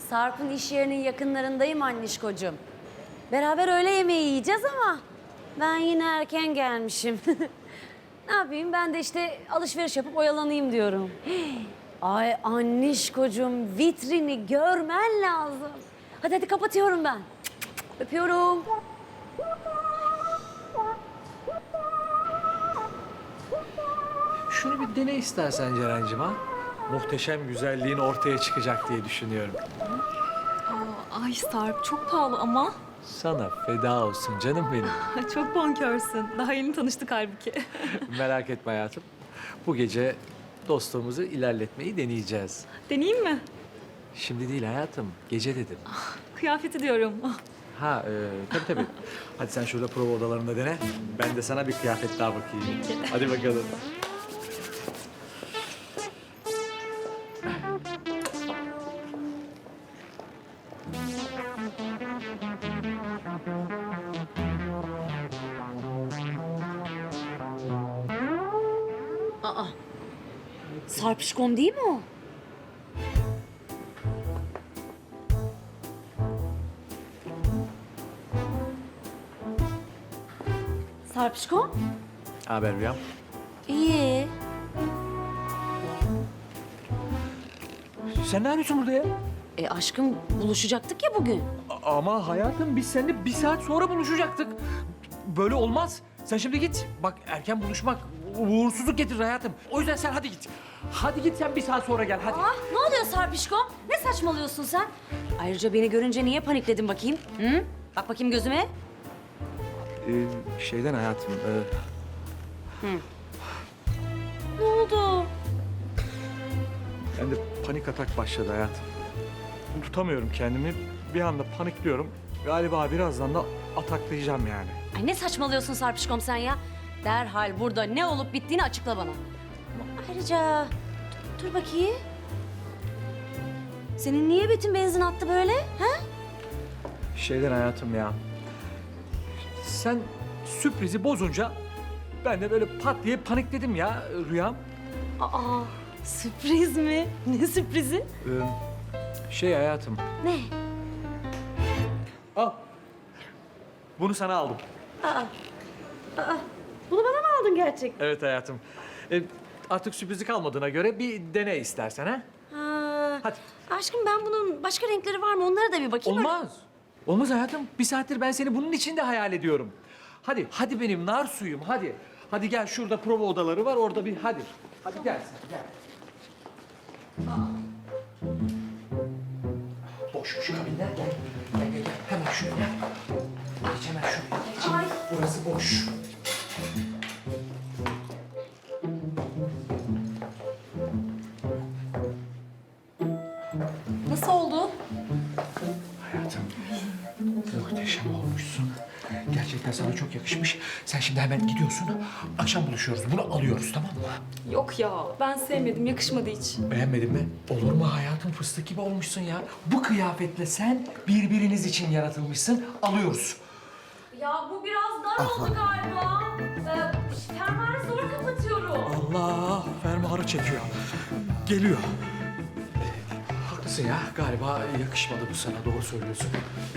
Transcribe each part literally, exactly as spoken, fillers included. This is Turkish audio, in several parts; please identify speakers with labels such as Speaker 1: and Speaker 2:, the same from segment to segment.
Speaker 1: Sarp'ın iş yerinin yakınlarındayım annişkocuğum. Beraber öğle yemeği yiyeceğiz ama ben yine erken gelmişim. Ne yapayım? Ben de işte alışveriş yapıp oyalanayım diyorum. Ay annişkocuğum, vitrini görmen lazım. Hadi hadi kapatıyorum ben. Öpüyorum.
Speaker 2: Şunu bir dene istersen Ceren'cim ha. Muhteşem güzelliğin ortaya çıkacak diye düşünüyorum.
Speaker 3: Aa, ay Sarp çok pahalı ama.
Speaker 2: Sana feda olsun canım benim.
Speaker 3: Çok bonkörsün. Daha yeni tanıştık halbuki.
Speaker 2: Merak etme hayatım. Bu gece dostluğumuzu ilerletmeyi deneyeceğiz.
Speaker 3: Deneyeyim mi?
Speaker 2: Şimdi değil hayatım, gece dedim.
Speaker 3: Kıyafeti diyorum.
Speaker 2: Ha, e, tabii tabii. Hadi sen şurada prova odalarında dene. Ben de sana bir kıyafet daha bakayım. Hadi bakalım.
Speaker 1: Aa, Sarpişkom değil mi o? Sarpişkom?
Speaker 2: Haber Rüyam.
Speaker 1: İyi.
Speaker 2: Sen ne yapıyorsun burada ya?
Speaker 1: E aşkım buluşacaktık ya bugün.
Speaker 2: A- Ama hayatım biz seninle bir saat sonra buluşacaktık. Böyle olmaz. Sen şimdi git. Bak erken buluşmak uğursuzluk getirir hayatım. O yüzden sen hadi git. Hadi git sen bir saat sonra gel hadi.
Speaker 1: Ah ne oluyor Sarpişkom? Ne saçmalıyorsun sen? Ayrıca beni görünce niye panikledin bakayım? Hı? Bak bakayım gözüme.
Speaker 2: Ee, şeyden hayatım. E,
Speaker 1: Ne oldu?
Speaker 2: ben de panik atak başladı hayatım. Tutamıyorum kendimi. Bir anda panikliyorum. Galiba birazdan da ataklayacağım yani.
Speaker 1: Ay ne saçmalıyorsun Sarpişkom sen ya? Derhal burada ne olup bittiğini açıkla bana. Ayrıca dur, dur bakayım. Senin niye bütün benzin attı böyle? Ha?
Speaker 2: Şeyden hayatım ya. Sen sürprizi bozunca ben de böyle pat diye panikledim ya Rüyam.
Speaker 1: Aa, sürpriz mi? Ne sürprizi?
Speaker 2: Ee, şey hayatım.
Speaker 1: Ne?
Speaker 2: Al. Bunu sana aldım.
Speaker 1: Bunu bana mı aldın gerçekten?
Speaker 2: Evet hayatım. Ee, artık sürprizi kalmadığına göre bir dene istersen ha.
Speaker 1: Ha,
Speaker 2: Hadi.
Speaker 1: aşkım ben bunun başka renkleri var mı? Onlara da bir bakayım.
Speaker 2: Olmaz. Olmaz hayatım. Bir saattir ben seni bunun içinde hayal ediyorum. Hadi, hadi benim nar suyum hadi. Hadi gel şurada prova odaları var orada bir hadi. Hadi gel sen gel. Boşmuş kabinler gel. Gel gel gel hemen şuraya. Geç hemen şuraya geç.
Speaker 1: Ay.
Speaker 2: Burası boş.
Speaker 3: Nasıl oldu?
Speaker 2: Hayatım, muhteşem olmuşsun. Gerçekten sana çok yakışmış. Sen şimdi hemen gidiyorsun. Akşam buluşuyoruz. Bunu alıyoruz tamam mı?
Speaker 3: Yok ya. Ben sevmedim. Yakışmadı hiç.
Speaker 2: Beğenmedin mi? Olur mu hayatım? Fıstık gibi olmuşsun ya. Bu kıyafetle sen birbiriniz için yaratılmışsın. Alıyoruz.
Speaker 1: Ya bu biraz dar oldu galiba. Ee, fermuarı zor kapatıyorum.
Speaker 2: Allah! Fermuarı çekiyor. Geliyor. Haklısın ya. Galiba yakışmadı bu sana. Doğru söylüyorsun.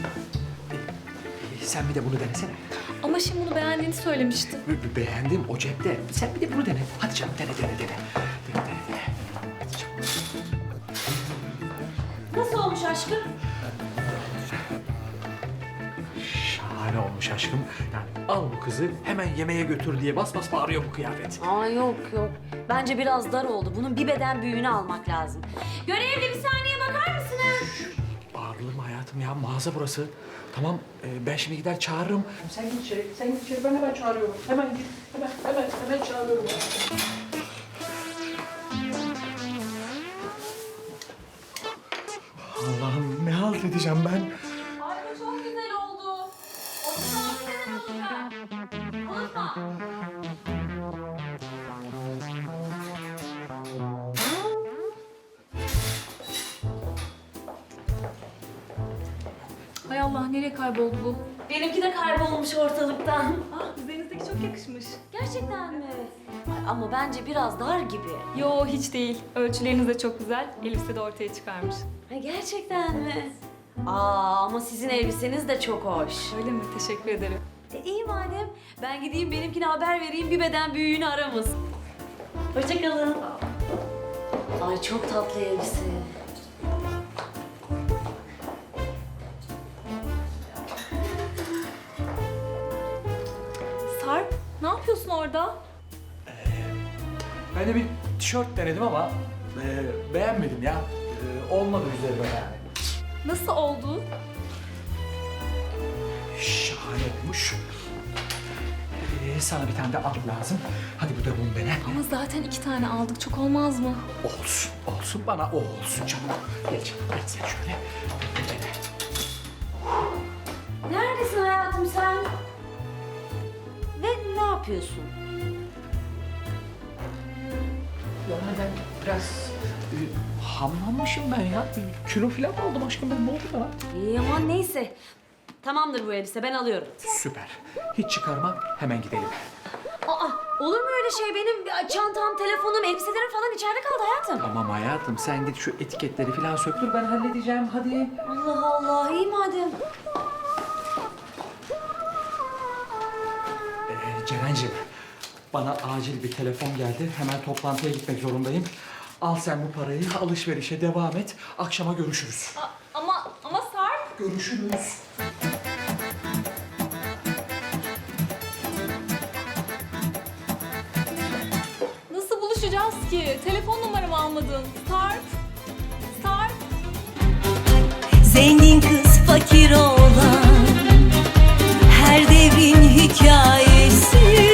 Speaker 2: Ee, Sen bir de bunu denesene.
Speaker 3: Ama şimdi bunu beğendiğini söylemiştin.
Speaker 2: Be- Beğendim o cepte. Sen bir de bunu dene. Hadi canım dene dene dene. Dene dene dene. Hadi canım.
Speaker 1: Nasıl olmuş aşkım?
Speaker 2: Şahane olmuş aşkım. Yani al bu kızı hemen yemeğe götür diye bas bas bağırıyor bu kıyafet.
Speaker 1: Aa yok yok. Bence biraz dar oldu. Bunun bir beden büyüğünü almak lazım. Görevli bir saniye bakar mısınız?
Speaker 2: Bağırılır mı hayatım ya? Mağaza burası. Tamam e, ben şimdi gider çağırırım. Sen git içeri, sen git içeri. Ben hemen çağırıyorum. Hemen git. Hemen hemen hemen çağırıyorum. Allah'ım ne halt edeceğim ben?
Speaker 1: Ay bu çok güzel oldu. otuz altı sene olacak. Unutma.
Speaker 3: Hay Allah nereye kayboldu bu?
Speaker 1: Benimki de kaybolmuş ortalıktan.
Speaker 3: Ah üzerinizdeki çok yakışmış.
Speaker 1: Gerçekten mi? Ay, ama bence biraz dar gibi.
Speaker 3: Yo hiç değil. Ölçüleriniz de çok güzel. Elbise de ortaya çıkarmış.
Speaker 1: Ha, gerçekten mi? Aa, ama sizin elbiseniz de çok hoş.
Speaker 3: Öyle mi? Teşekkür ederim.
Speaker 1: E, iyi madem. Ben gideyim benimkine haber vereyim, bir beden büyüğünü aramız. Hoşçakalın. Ay çok tatlı elbise.
Speaker 3: Sarp, ne yapıyorsun orada?
Speaker 2: Ben de bir tişört denedim ama e, beğenmedim ya. E, olmadı üzerime yani.
Speaker 3: Nasıl oldu?
Speaker 2: Şahane olmuş. E, sana bir tane de alt lazım. Hadi bu da bunu dene.
Speaker 3: Ama zaten iki tane aldık. Çok olmaz mı?
Speaker 2: Olsun, olsun bana o olsun canım. Gel canım, gel sen şöyle. Dene.
Speaker 1: Neredesin hayatım sen? Ve ne yapıyorsun?
Speaker 2: Yani ben biraz e, hamlanmışım ben ya. Bir kilo falan mı aldım aşkım ben? Ne oldu bana?
Speaker 1: İyi aman neyse. Tamamdır bu elbise, ben alıyorum.
Speaker 2: Süper. Hiç çıkarma, hemen gidelim.
Speaker 1: Aa, olur mu öyle şey? Benim çantam, telefonum, elbiselerim falan içeride kaldı hayatım.
Speaker 2: Tamam hayatım, sen git şu etiketleri falan söktür, ben halledeceğim. Hadi.
Speaker 1: Allah Allah, iyi madem.
Speaker 2: Ee, Ceren'cim, bana acil bir telefon geldi. Hemen toplantıya gitmek zorundayım. Al sen bu parayı, alışverişe devam et. Akşama görüşürüz.
Speaker 3: A- ama ama Sarp.
Speaker 2: Görüşürüz.
Speaker 3: Nasıl buluşacağız ki? Telefon numaramı almadın. Sarp. Sarp.
Speaker 4: Zengin kız fakir olan her devrin hikayesi